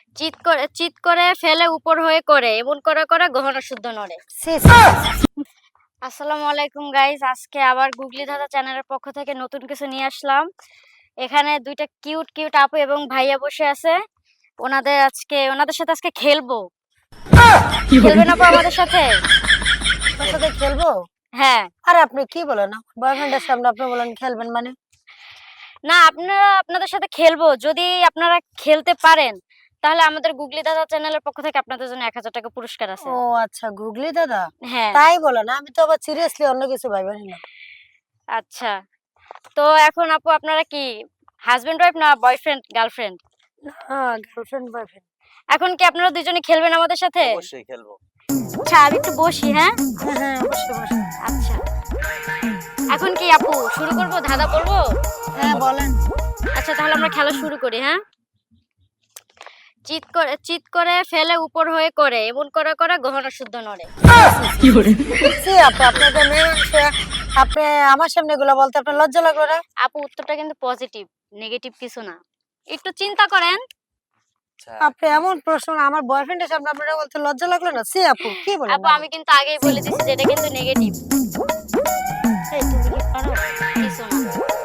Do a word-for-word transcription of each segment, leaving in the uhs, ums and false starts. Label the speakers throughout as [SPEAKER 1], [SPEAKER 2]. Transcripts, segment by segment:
[SPEAKER 1] চিৎ করে চিৎ করে ফেলে উপর হয়ে করে এমন করে করে গহনা শুদ্ধ নড়ে।
[SPEAKER 2] সি, সি, সি, সি।
[SPEAKER 1] আসসালামু আলাইকুম গাইস, আজকে আবার গুগলি দাদা চ্যানেলের পক্ষ থেকে নতুন কিছু নিয়ে আসলাম। এখানে দুইটা কিউট কিউট আপু এবং ভাইয়া বসে আছে। ওনাদের আজকে ওনাদের সাথে আজকে খেলবো। খেলবেন আপু আমাদের সাথে?
[SPEAKER 2] তোর সাথে খেলবো?
[SPEAKER 1] হ্যাঁ।
[SPEAKER 2] আরে আপনি কি বলেন? বয়ফ্রেন্ডের সামনে আপনি বলেন খেলবেন মানে?
[SPEAKER 1] না, আপনারা আপনাদের সাথে খেলবো। যদি আপনারা খেলতে পারেন তাহলে আমাদের গুগলি দাদা চ্যানেলের পক্ষ থেকে আপনাদের জন্য এক হাজার টাকা পুরস্কার আছে।
[SPEAKER 2] ও আচ্ছা, গুগলি দাদা?
[SPEAKER 1] হ্যাঁ।
[SPEAKER 2] তাই বলেন, আমি তো আবার সিরিয়াসলি অন্য কিছু ভাইবা নিলাম।
[SPEAKER 1] আচ্ছা। তো এখন আপু আপনারা কি হাজবেন্ড ওয়াইফ না বয়ফ্রেন্ড গার্লফ্রেন্ড?
[SPEAKER 2] হ্যাঁ, গার্লফ্রেন্ড বয়ফ্রেন্ড।
[SPEAKER 1] এখন কি আপনারা দুজনে খেলবেন আমাদের সাথে?
[SPEAKER 3] অবশ্যই খেলবো।
[SPEAKER 1] আচ্ছা, আমি একটু বসি, হ্যাঁ?
[SPEAKER 2] হ্যাঁ হ্যাঁ, অবশ্যই অবশ্যই।
[SPEAKER 1] আচ্ছা। এখন কি আপু শুরু করব, ধাঁধা পড়বো?
[SPEAKER 2] হ্যাঁ বলেন।
[SPEAKER 1] আচ্ছা, তাহলে আমরা খেলা শুরু করি, হ্যাঁ? চিৎ করে চিৎ করে ফেলে উপর হয়ে করে এমন করে করে গহনা শুদ্ধ নড়ে।
[SPEAKER 2] সি আপু, আপনাদের মেয়ে মানুষে আপনি আমার সামনে এগুলো বলতে আপনার লজ্জা লাগলো না?
[SPEAKER 1] আপু উত্তরটা কিন্তু পজিটিভ, নেগেটিভ কিছু না। একটু চিন্তা করেন।
[SPEAKER 3] আচ্ছা,
[SPEAKER 2] আপনি এমন প্রশ্ন আমার বয়ফ্রেন্ডের সামনে আপনারা বলতে লজ্জা লাগলো না? সি আপু, কি বলেন?
[SPEAKER 1] আপু আমি কিন্তু আগেই বলে দিছি যে এটা কিন্তু নেগেটিভ।
[SPEAKER 2] এই তুমি কি পারো?
[SPEAKER 1] কিছু না।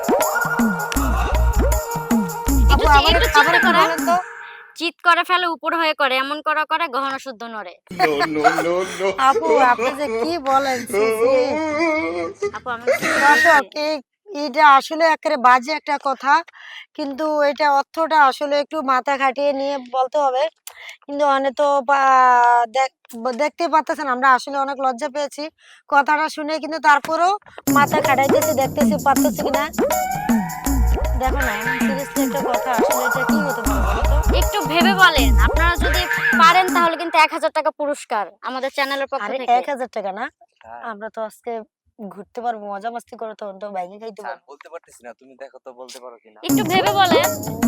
[SPEAKER 2] আপু
[SPEAKER 1] একটু
[SPEAKER 2] আমার
[SPEAKER 1] একটু
[SPEAKER 2] খাবার
[SPEAKER 1] চিন্তা
[SPEAKER 2] একটু
[SPEAKER 1] করেন।
[SPEAKER 2] বলেন তো।
[SPEAKER 1] চিৎ করে ফেলে উপর হয়ে করে এমন করে করে গহনা শুদ্ধ নড়ে।
[SPEAKER 3] No no no no.
[SPEAKER 2] আপু আপনি যে কি বলেন? সি, সি।
[SPEAKER 1] আপু আমি কি
[SPEAKER 2] দর্শক,
[SPEAKER 1] বলছি?
[SPEAKER 2] এই এটা আসলে একেবারে বাজে একটা কথা, কিন্তু এটা অর্থটা আসলে একটু মাথা খাটিয়ে নিয়ে বলতে হবে। কিন্তু অনেক তো বা- দেখ- দেখতেই পাচ্ছেন আমরা আসলে অনেক লজ্জা পেয়েছি কথাটা শুনে, কিন্তু তারপরেও মাথা খাটাইতেছি, দেখতেছি পারতেছি কিনা। দেখো না, এমন সিরিয়াসলি একটা কথা, আসলে এটা কি হতে পারে বলো তো?
[SPEAKER 1] একটু ভেবে বলেন। আপনারা যদি পারেন তাহলে কিন্তু এক হাজার টাকা পুরস্কার আমাদের চ্যানেলের পক্ষ
[SPEAKER 2] আরে
[SPEAKER 1] থেকে।
[SPEAKER 2] এক হাজার টাকা না,
[SPEAKER 3] হ্যাঁ,
[SPEAKER 2] আমরা তো আজকে ঘুরতে পারবো, মজা মাস্তি করে, তখন তো বাইকে খাইতে
[SPEAKER 3] স্যার
[SPEAKER 2] পারবো।
[SPEAKER 3] বলতে পারতেছি না, তুমি দেখো তো বলতে পারো কিনা।
[SPEAKER 1] একটু ভেবে বলেন।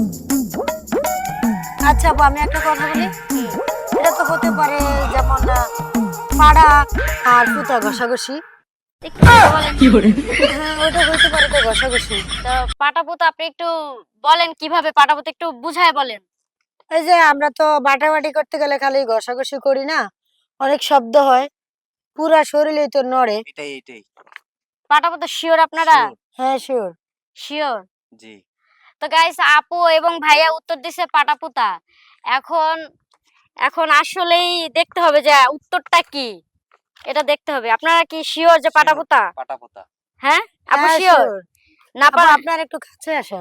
[SPEAKER 2] আচ্ছা আপু, আমি একটা কথা বলি।
[SPEAKER 1] হুম,
[SPEAKER 2] এটা তো হতে পারে যেমন আহ, পাড়া আর পুতা ঘষাঘষি।
[SPEAKER 1] একটু ভেবে বলেন।
[SPEAKER 2] হ্যাঁ, ওটা হইতে পারে তো ঘষাঘষি।
[SPEAKER 1] তো পাটাপোতা আপনি একটু বলেন কিভাবে পাটাপোতা একটু বুঝায় বলেন।
[SPEAKER 2] এই যে আমরা তো বাটাবাটি করতে গেলে খালি ঘষাঘষি করি না, অনেক শব্দ হয়, পুরা শরীরেই তো নড়ে।
[SPEAKER 3] এটাই এটাই।
[SPEAKER 1] পাটাপোতা শিওর আপনারা?
[SPEAKER 3] Sure,
[SPEAKER 2] হ্যাঁ শিওর।
[SPEAKER 1] শিওর।
[SPEAKER 3] জি।
[SPEAKER 1] তো গাইস, আপু এবং ভাইয়া উত্তর দিছে পাটাপোতা। এখন এখন আসলেই দেখতে হবে যে উত্তরটা কি, এটা দেখতে হবে। আপনারা কি শিওর যে পাটাপোতা?
[SPEAKER 3] পাটাপোতা।
[SPEAKER 1] হ্যাঁ আপু
[SPEAKER 2] হ্যাঁ
[SPEAKER 1] শিওর?
[SPEAKER 2] শিওর।
[SPEAKER 1] না
[SPEAKER 2] আপু
[SPEAKER 1] পার
[SPEAKER 2] আপনার একটু কাছে আসেন।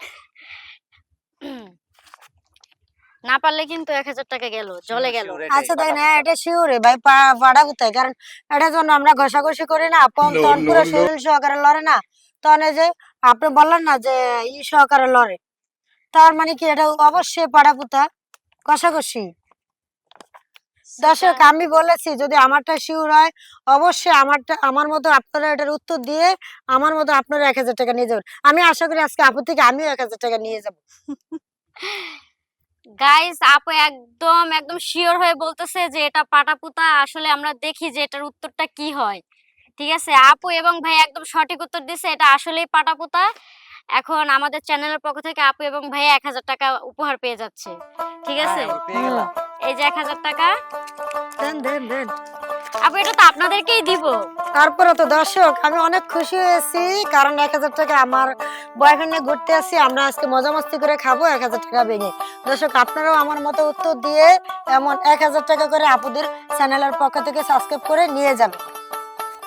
[SPEAKER 1] না পারলে কিন্তু এক হাজার টাকা গেল, জলে গেল।
[SPEAKER 3] Sure, এটাই,
[SPEAKER 2] আচ্ছা দেখেন, হ্যাঁ
[SPEAKER 3] পাটাপোতা।
[SPEAKER 2] এটা শিওর ভাই, পাড়া কোথায়, কারণ এটা যখন আমরা ঘষাঘষি করি না, পম
[SPEAKER 3] No,
[SPEAKER 2] তখন
[SPEAKER 3] no,
[SPEAKER 2] পুরো
[SPEAKER 3] no.
[SPEAKER 2] শরীর সহকারে লড়ে না, তখন এই যে আপনি বললেন না যে ই সহকারে লড়ে, তার মানে কি এটা অবশ্যই পাড়া পুতা ঘষাঘষি। দর্শক, আমি বলেছি যদি আমারটা শিওর হয়, অবশ্যই আমারটা আমার মতো আপনারা এটার উত্তর দিয়ে আমার মতো আপনারা এক হাজার টাকা নিয়ে যাবেন। আমি আশা করি আজকে আপু থেকে আমিও এক হাজার টাকা নিয়ে যাবো।
[SPEAKER 1] গাইস, আপু একদম একদম শিওর হয়ে বলতেছে যে এটা পাটাপোতা। আসলে আমরা দেখি যে এটার উত্তরটা কি হয়। ঠিক আছে, আপু এবং ভাই একদম সঠিক উত্তর দিছে, এটা আসলেই পাটাপোতা। এখন আমাদের চ্যানেলের পক্ষ থেকে আপু এবং ভাই এক হাজার টাকা উপহার পেয়ে যাচ্ছে। ঠিক আছে,
[SPEAKER 3] হ্যাঁ, আমি পেয়ে
[SPEAKER 2] হুম,
[SPEAKER 3] গেলাম।
[SPEAKER 1] এই যে এক হাজার টাকা।
[SPEAKER 2] দেন দেন দেন।
[SPEAKER 1] আপু এটা তো আপনাদেরকেই দিব।
[SPEAKER 2] তারপরে তো দর্শক, আমি অনেক খুশি হয়েছি, কারণ এক হাজার টাকা আমার বয়ফ্রেন্ডে ঘুরতে আসছি, আমরা আজকে মজা মস্তি করে খাবো এক হাজার টাকা ভেঙে। দর্শক, আপনারাও আমার মতো উত্তর দিয়ে এমন এক হাজার টাকা করে আপুদের চ্যানেলের পক্ষ থেকে সাবস্ক্রাইব করে নিয়ে যাবেন।